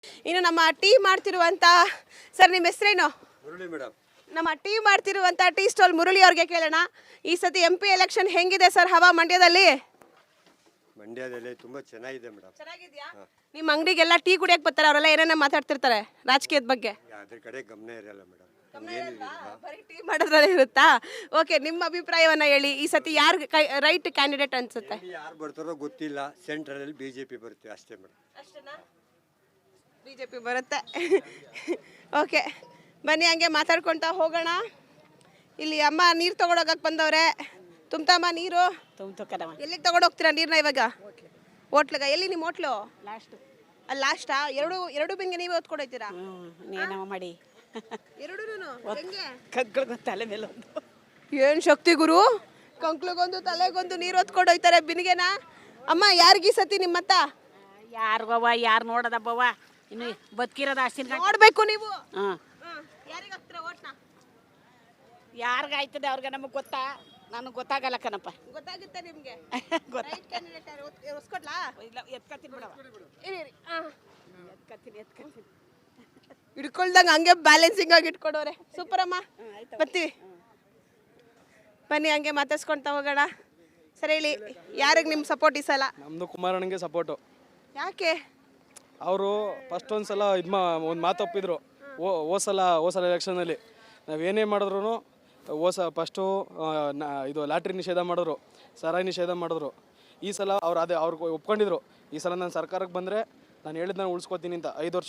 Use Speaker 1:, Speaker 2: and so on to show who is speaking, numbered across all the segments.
Speaker 1: ಇನ್ನು ನಮ್ಮ tea ಮಾಡ್ತಿರುವಂತ sir ನಿಮ್ಮ ಹೆಸರೇನು?
Speaker 2: ಮುರಳಿ ಮೇಡಮ್.
Speaker 1: ನಮ್ಮ ಟೀ ಮಾಡ್ತಿರುವಂತ ಟೀ ಸ್ಟಾಲ್ ಮುರಳಿ ಅವ್ರಿಗೆ ಕೇಳೋಣ. ಈ ಸತಿ MP ಎಲೆಕ್ಷನ್ ಹೆಂಗಿದೆ ಸರ್ ಹವಾ ಮಂಡ್ಯದಲ್ಲಿ?
Speaker 2: ಮಂಡ್ಯದಲ್ಲಿ ತುಂಬಾ ಚೆನ್ನಾಗಿದೆ ಮೇಡಮ್.
Speaker 1: ಚೆನ್ನಾಗಿದ್ಯಾ? ನಿಮ್ಮ ಅಂಗಡಿಗೆಲ್ಲ ಟೀ ಕುಡಿಯಕ್ಕೆ ಬರ್ತಾರೆ, ಅವರೆಲ್ಲ ಏನೇನೋ ಮಾತಾಡ್ತಿರ್ತಾರೆ ರಾಜಕೀಯದ ಬಗ್ಗೆ.
Speaker 2: ಅದ್ರ ಕಡೆ ಗಮನ ಇರಲ್ಲ ಮೇಡಮ್.
Speaker 1: ಬರೀ ಟೀ ಮಾಡೋದ್ರಲ್ಲೇ ಇರುತ್ತಾ? ಓಕೆ, ನಿಮ್ಮ ಅಭಿಪ್ರಾಯವನ್ನ ಹೇಳಿ. ಈ ಸತಿ ಯಾರು ರೈಟ್ ಕ್ಯಾಂಡಿಡೇಟ್ ಅನ್ಸುತ್ತೆ?
Speaker 2: ಯಾರು ಬರ್ತಾರೋ ಗೊತ್ತಿಲ್ಲ. ಸೆಂಟ್ರಲ್ ಅಲ್ಲಿ BJP ಬರುತ್ತೆ ಅಷ್ಟೇ ಮೇಡಮ್.
Speaker 1: ಅಷ್ಟೇನಾ? BJP ಬರುತ್ತೆ. ಓಕೆ, ಬನ್ನಿ ಹಂಗೆ ಮಾತಾಡ್ಕೊಳ್ತಾ ಹೋಗೋಣ. ಇಲ್ಲಿ ಅಮ್ಮ ನೀರು ತಗೊಂಡೋಗಕ್ಕೆ ಬಂದವ್ರೆ. ತುಂಬತಮ್ಮ ನೀರು ಎಲ್ಲಿಗೆ ತಗೊಂಡೋಗ್ತೀರಾ ನೀರನ್ನ ಇವಾಗ? ಹೋಟ್ಲಿಗ? ಎಲ್ಲಿ ನಿಮ್ಮ ಹೋಟ್ಲು? ಅಲ್ಲಿ ಲಾಸ್ಟಾ? ಎರಡು ಬಿಂಗೆ ನೀವೇ ಹೊತ್ಕೊಡೋಯ್ತೀರಾ?
Speaker 3: ಮಾಡಿ
Speaker 1: ಎರಡೂ ಹೆಂಗೆ?
Speaker 3: ತಲೆ ಮೇಲೆ
Speaker 1: ಏನು ಶಕ್ತಿ ಗುರು, ಕಂಕ್ಳಿಗೊಂದು ತಲೆಗೊಂದು ನೀರು ಹೊತ್ಕೊಂಡು ಹೋಯ್ತಾರೆ ಬಿನಿಗೆನ. ಅಮ್ಮ ಯಾರಿಗೀ ಸತಿ ನಿಮ್ಮತ್ತ?
Speaker 3: ಯಾರಿಗವ್ವ, ಯಾರು ನೋಡದಬ್ಬವ್ವ, ಇನ್ನು ಬದುಕಿರೋದು ಅಷ್ಟಿನ
Speaker 1: ನೋಡ್ಬೇಕು ನೀವು. ಯಾರಿಗೆ ಹಾಕ್ತೀರಾ ಓಟ್ನ?
Speaker 3: ಯಾರಿಗ ಆಯ್ತದೆ ಅವ್ರಿಗೆ, ನಮಗೆ ಗೊತ್ತಾ? ನನಗೆ ಗೊತ್ತಾಗಲ್ಲ ಕಣಪ್ಪ.
Speaker 1: ಗೊತ್ತಾಗುತ್ತೆ ನಿಮ್ಗೆ? ರೈಟ್ ಕ್ಯಾಂಡಿಡೇಟ್ ಯಾರು ಹೊಸ್ಕೊಡ್ಲಾ?
Speaker 3: ಇಲ್ಲ, ಎತ್ಕತ್ತೀನಿ ಬಿಡವ. ಎತ್ಕತ್ತೀನಿ
Speaker 1: ಹಿಡ್ಕೊಳ್ದಂಗೆ ಹಂಗೆ ಬ್ಯಾಲೆನ್ಸಿಂಗ್ ಆಗಿ ಇಟ್ಕೊಡೋರೆ. ಸೂಪರ್ ಅಮ್ಮ, ಬರ್ತೀವಿ. ಬನ್ನಿ ಹಂಗೆ ಮಾತಾಡ್ಸ್ಕೊಳ್ತಾ ಹೋಗೋಣ. ಸರಿ ಹೇಳಿ, ಯಾರಿಗೆ ನಿಮ್ಮ ಸಪೋರ್ಟ್ ಈ ಸಲ?
Speaker 4: ನಮ್ಮದು ಕುಮಾರಣ್ಣಗೆ ಸಪೋರ್ಟು.
Speaker 1: ಯಾಕೆ?
Speaker 4: ಅವರು ಫಸ್ಟ್ ಒಂದು ಸಲ ಒಂದು ಮಾತು ಒಪ್ಪಿದ್ರು. ಹೋಸಲ ಎಲೆಕ್ಷನಲ್ಲಿ ನಾವೇನೇ ಮಾಡಿದ್ರು ಫಸ್ಟು ಇದು ಲಾಟ್ರಿ ನಿಷೇಧ ಮಾಡಿದ್ರು, ಸರಾಯಿ ನಿಷೇಧ ಮಾಡಿದ್ರು. ಈ ಸಲ ಅವ್ರು ಒಪ್ಕೊಂಡಿದ್ರು. ಈ ಸಲ ನಾನು ಸರ್ಕಾರಕ್ಕೆ ಬಂದರೆ ನಾನು ಹೇಳಿದ್ದು ನಾನು ಉಳಿಸ್ಕೊತೀನಿ ಅಂತ 5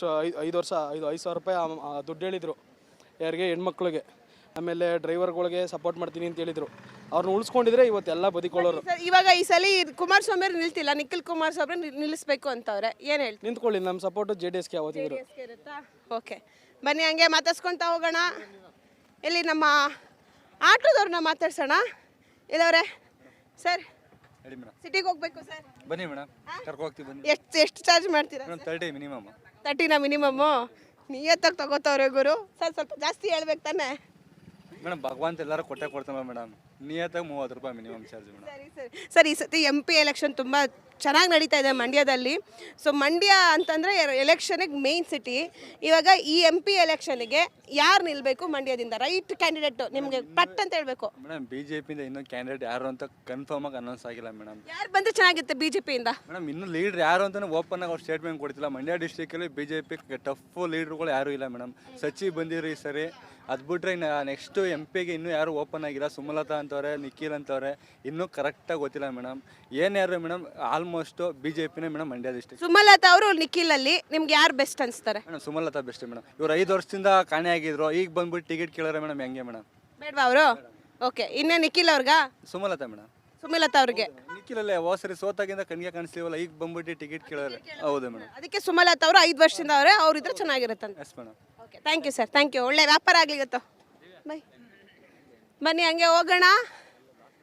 Speaker 4: ಸಾವಿರ ರೂಪಾಯಿ ದುಡ್ಡು ಹೇಳಿದರು. ಯಾರಿಗೆ? ಹೆಣ್ಮಕ್ಳಿಗೆ. ಆಮೇಲೆ ಡ್ರೈವರ್ಗಳಿಗೆ ಸಪೋರ್ಟ್ ಮಾಡ್ತೀನಿ ಅಂತ ಹೇಳಿದರು. ಅವ್ರನ್ನ ಉಳಿಸ್ಕೊಂಡಿದ್ರೆ ಇವತ್ತೆಲ್ಲ ಬದುಕೊಳ್ಳೋರು.
Speaker 1: ಇವಾಗ ಈ ಸಲ ಕುಮಾರಸ್ವಾಮಿ ಅವ್ರು ನಿಲ್ತಿಲ್ಲ, ನಿಖಿಲ್ ಕುಮಾರಸ್ವಾಮಿ ನಿಲ್ಲಿಸ್ಬೇಕು ಅಂತವ್ರೆ, ಏನು ಹೇಳ್ತೀವಿ?
Speaker 4: ನಿಂತ್ಕೊಳ್ಳಿ, ನಮ್ಮ ಸಪೋರ್ಟು JDSಗೆ ಯಾವತ್ತಿದ್ರು.
Speaker 1: ಓಕೆ, ಬನ್ನಿ ಹಂಗೆ ಮಾತಾಡ್ಸ್ಕೊಳ್ತಾ ಹೋಗೋಣ. ಎಲ್ಲಿ ನಮ್ಮ ಆಟೋದವ್ರನ್ನ ಮಾತಾಡ್ಸೋಣ. ಇಲ್ಲವ್ರೆ ಸರ್, ಸಿಟಿಗೆ ಹೋಗ್ಬೇಕು ಸರ್.
Speaker 5: ಬನ್ನಿ ಮೇಡಮ್, ಕರ್ಕೊ ಹೋಗ್ತೀವಿ ಬನ್ನಿ.
Speaker 1: ಎಷ್ಟು ಚಾರ್ಜ್ ಮಾಡ್ತೀರಾ?
Speaker 5: 30 ಮಿನಿಮಮ್.
Speaker 1: 30ನಾ ಮಿನಿಮಮ್ಮು? ನಿಯತ್ತಾಗಿ ತಗೋತವ್ರೆ ಗುರು. ಸರ್ ಸ್ವಲ್ಪ ಜಾಸ್ತಿ ಹೇಳ್ಬೇಕು ತಾನೆ
Speaker 5: ಮೇಡಮ್? ಭಗವಂತ ಎಲ್ಲರೂ ಕೊಡ್ತಾನೆ ಮೇಡಮ್. ನಿಯತ್ತಾಗಿ 30 ರೂಪಾಯಿ ಮಿನಿಮಮ್ ಚಾರ್ಜ್ ಮೇಡಮ್.
Speaker 1: ಸರಿ ಸರಿ ಸರ್, ಈ ಸತಿ MP ಎಲೆಕ್ಷನ್ ತುಂಬ ಚೆನ್ನಾಗಿ ನಡೀತಾ ಇದೆ ಮಂಡ್ಯದಲ್ಲಿ. ಸೊ ಮಂಡ್ಯ ಅಂತಂದರೆ ಎಲೆಕ್ಷನಿಗೆ ಮೇಯ್ನ್ ಸಿಟಿ. ಇವಾಗ ಈ MP ಎಲೆಕ್ಷನ್ಗೆ ಯಾರು ನಿಲ್ಲಬೇಕು ಮಂಡ್ಯದಿಂದ? ರೈಟ್ ಕ್ಯಾಂಡಿಡೇಟು ನಿಮಗೆ ಪಟ್ ಅಂತ ಹೇಳಬೇಕು.
Speaker 5: ಮೇಡಮ್, BJPಯಿಂದ ಇನ್ನೂ ಕ್ಯಾಂಡಿಡೇಟ್ ಯಾರು ಅಂತ ಕನ್ಫರ್ಮ್ ಆಗಿ ಅನೌನ್ಸ್ ಆಗಿಲ್ಲ ಮೇಡಮ್.
Speaker 1: ಯಾರು ಬಂದರೆ ಚೆನ್ನಾಗಿರುತ್ತೆ BJPಯಿಂದ?
Speaker 5: ಮೇಡಮ್, ಇನ್ನೂ ಲೀಡ್ರ್ ಯಾರು ಅಂತಲೇ ಓಪನ್ ಆಗಿ ಅವ್ರು ಸ್ಟೇಟ್ಮೆಂಟ್ ಕೊಡ್ತಿಲ್ಲ. ಮಂಡ್ಯ ಡಿಸ್ಟ್ರಿಕ್ಟಲ್ಲಿ BJP ಟಫ್ ಲೀಡ್ರುಗಳು ಯಾರೂ ಇಲ್ಲ ಮೇಡಮ್. ಸಚಿ ಬಂದಿರು ಈ ಸರಿ. ಅದು ಬಿಟ್ರೆ ನೆಕ್ಸ್ಟು MPಗೆ ಇನ್ನೂ ಯಾರು ಓಪನ್ ಆಗಿಲ್ಲ. ಸುಮಲತಾ ಅಂತವ್ರೆ, ನಿಖಿಲ್ ಅಂತವ್ರೆ, ಇನ್ನೂ ಕರೆಕ್ಟಾಗಿ ಗೊತ್ತಿಲ್ಲ ಮೇಡಮ್. ಏನ್ಯಾರು ಮೇಡಮ್, ಆಲ್ಮೋಸ್ಟು BJPನೇ ಮೇಡಮ್ ಮಂಡ್ಯ ಡಿಸ್ಟ್ರಿಕ್ಟ್.
Speaker 1: ಸುಮಲತಾ ಅವರು ನಿಖಿಲಲ್ಲಿ ನಿಮ್ಗೆ ಯಾರು ಬೆಸ್ಟ್ ಅನಿಸ್ತಾರೆ?
Speaker 5: Madam, Sumalatha best madam. ಇವ್ರು 5 ವರ್ಷದಿಂದ ಕಾಣೆ ಆಗಿದ್ರು, ಈಗ ಬಂದ್ಬಿಟ್ಟು ಟಿಕೆಟ್ ಕೇಳೋರೆ ಮೇಡಮ್. ಹೆಂಗೆ ಮೇಡಮ್?
Speaker 1: ಬೇಡವಾ ಅವರು? ಓಕೆ, ಇನ್ನೇ ನಿಖಿಲ್ ಅವ್ರಿಗ?
Speaker 5: ಸುಮಲತಾ ಮೇಡಮ್.
Speaker 1: ಸುಮಲತಾ ಅವ್ರಿಗೆ?
Speaker 5: ನಿಖಿಲಲ್ಲೇ ಸರಿ ಸೋತಾಗಿಂದ ಕಣ್ಗೆ ಕಾಣಿಸ್ತೀವಲ್ಲ, ಈಗ ಬಂದ್ಬಿಟ್ಟು ಟಿಕೆಟ್ ಕೇಳೋರೆ. ಹೌದು ಮೇಡಮ್.
Speaker 1: ಅದಕ್ಕೆ ಸುಮಲತಾ ಅವರು 5 ವರ್ಷದಿಂದ ಅವ್ರಿದ್ರೆ ಚೆನ್ನಾಗಿರುತ್ತೆ ಅಂತ.
Speaker 5: Yes madam.
Speaker 1: Okay, thank you sir, thank you. ಒಳ್ಳೆ ವ್ಯಾಪಾರ ಆಗಲಿ ಇವತ್ತು. ಬೈ. ಬನ್ನಿ ಹಂಗೆ ಹೋಗೋಣ.